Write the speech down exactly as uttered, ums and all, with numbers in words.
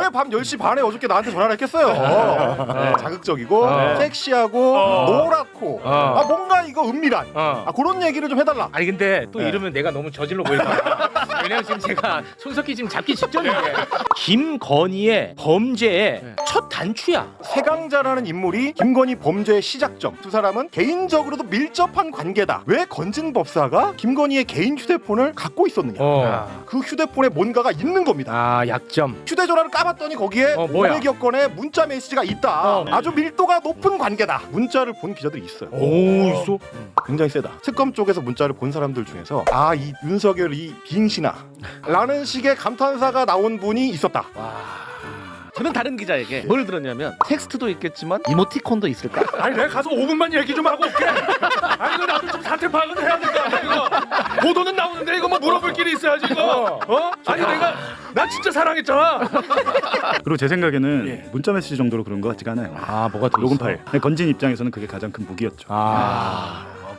왜 밤 열 시 반에 어저께 나한테 전화를 했겠어요. 네, 자극적이고 어. 섹시하고 어. 노랗고 어. 아 뭔가 이거 은밀한 어. 아, 그런 얘기를 좀 해달라. 아니 근데 또 네. 이러면 내가 너무 저질러 보일까 봐. 왜냐면 지금 제가 손석희 지금 잡기 직전인데 김건희의 범죄의 네. 첫 단추야. 세강자라는 인물이 김건희 범죄의 시작점. 두 사람은 개인적으로도 밀접한 관계다. 왜 건진 법사가 김건희의 개인 휴대폰을 갖고 있었느냐. 어. 그 휴대폰에 뭔가가 있는 겁니다. 아 약점. 휴대전화를 까봤더니 거기에 어, 뭐야? 오백여 건의 문자 메시지가 있다. 어. 아주 밀도가 높은 관계다. 문자를 본 기자들이 있어요. 오 있어? 굉장히 세다. 특검 쪽에서 문자를 본 사람들 중에서 아 이 윤석열 이 빙신아 라는 식의 감탄사가 나온 분이 있었다. 저는 다른 기자에게 뭘 들었냐면 텍스트도 있겠지만 이모티콘도 있을까? 아니 내가 가서 오 분만 얘기 좀 하고 올게. 아니 이거 나도 좀 사태 파악은 해야 될 거 아니야 이거. 보도는 나오는데 이거 뭐 물어볼 길이 있어야지 이거. 어? 아니 내가 나 진짜 사랑했잖아. 그리고 제 생각에는 문자 메시지 정도로 그런 것 같지가 않아요. 아 뭐가 더 녹음 파일. 건진 입장에서는 그게 가장 큰 무기였죠. 아.